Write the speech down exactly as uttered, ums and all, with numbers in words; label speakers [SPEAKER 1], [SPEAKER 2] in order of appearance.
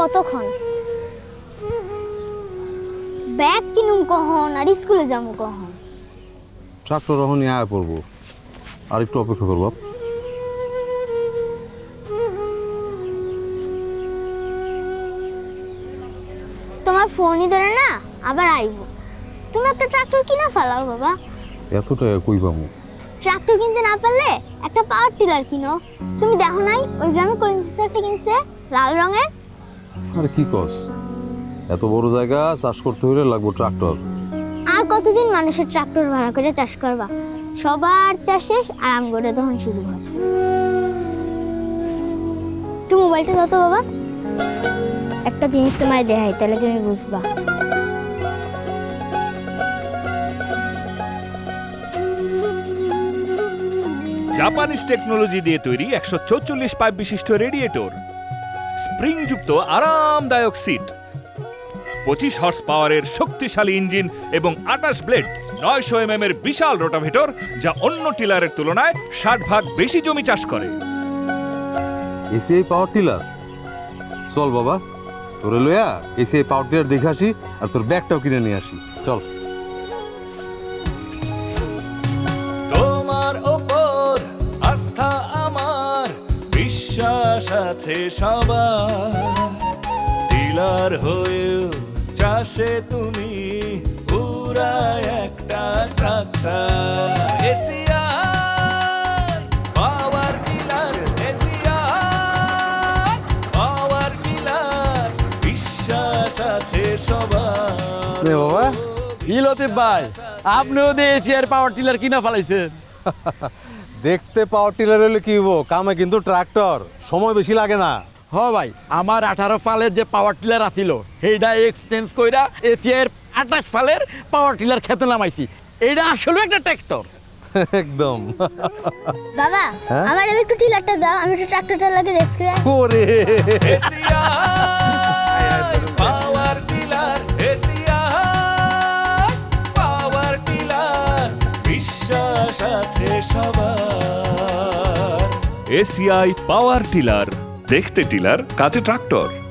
[SPEAKER 1] কতক্ষণ? ব্যাগ কিনুম কখন আর স্কুলে যাবো কখন?
[SPEAKER 2] ট্রাক্টর এখন নিয়ে আয়া পড়বো, আর একটু অপেক্ষা করবো।
[SPEAKER 1] তোমার ফোনই ধরে না, আবার আইব। তুমি একটা ট্রাক্টর কিনা ফেলাও বাবা।
[SPEAKER 2] এত টাকা কই পাবো?
[SPEAKER 1] ট্রাক্টর কিনতে না পারলে একটা পাওয়ার টিলার কিনো। তুমি দেখো নাই ওই গ্রামে করিম চাচা একটা কিনছে লাল রঙের?
[SPEAKER 2] আরে কি কস, এত বড় জায়গা চাষ করতে হলে লাগবো ট্রাক্টর।
[SPEAKER 1] আর কতদিন মানুষের ট্রাক্টর ভাড়া করে চাষ করবা? সবার চাষ শেষ, আরাম করে তখন শুরু হয়। একটু মোবাইলটা দাও তো বাবা, একটা জিনিস তোমায় দেখাই, তাহলে তুমি বুঝবা।
[SPEAKER 3] জাপানিজ টেকনোলজি দিয়ে তৈরি একশো চৌচল্লিশ পাইপ বিশিষ্ট রেডিয়েটর, স্প্রিংযুক্ত আরামদায়ক সিট, পঁচিশ হর্স পাওয়ারের শক্তিশালী ইঞ্জিন এবং আটাশ ব্লেড, নয়শো এম এম এর বিশাল রোটাভেটর, যা অন্য টিলারের তুলনায় ষাট ভাগ বেশি জমি চাষ করে।
[SPEAKER 2] এসিআই পাওয়ার টিলার, চল বাবা তোরে লইয়া এসিআই পাওয়ার টিলার দেখে আসি, আর তোর ব্যাগটাও কিনে নিয়ে আসি। চল।
[SPEAKER 3] তোমার ওপর আস্থা আমার, বিশ্বাস আছে সবার, ডিলার হয়েও চাষে তুমি পুরা একটা tractor. ACI power tiller, ACI power tiller, বিশ্বাস আছে সবার।
[SPEAKER 2] নে বাবা,
[SPEAKER 4] ইলতে ভাই, আপনিও দিয়ে এসিআর পাওয়ার টিলার কিনা ফেলাইছেন।
[SPEAKER 2] দেখতে পাওয়ার টিলার হলে কি হবো, কামে কিন্তু ট্রাক্টর, সময় বেশি লাগে না।
[SPEAKER 4] হ ভাই, আমার আঠারো ফালের যে পাওয়ার টিলার আছিল সেইটা এক্সচেঞ্জ কইরা এসিআর আঠাশ ফালের পাওয়ার টিলার খেতে নামাইছি। এইটা আসলে একটা ট্রাক্টর
[SPEAKER 2] একদম।
[SPEAKER 1] বাবা
[SPEAKER 2] হ্যাঁ?
[SPEAKER 1] আমার একটু টিলারটা দাও, আমি একটু ট্রাক্টরটা লাগে রেস করে আসি।
[SPEAKER 2] ওরে
[SPEAKER 3] ACI power tiller, ACI power tiller, বিশ্বাস আছে সবার। এসিআই পাওয়ার টিলার, দেখতে টিলার, কাজে ট্রাক্টর।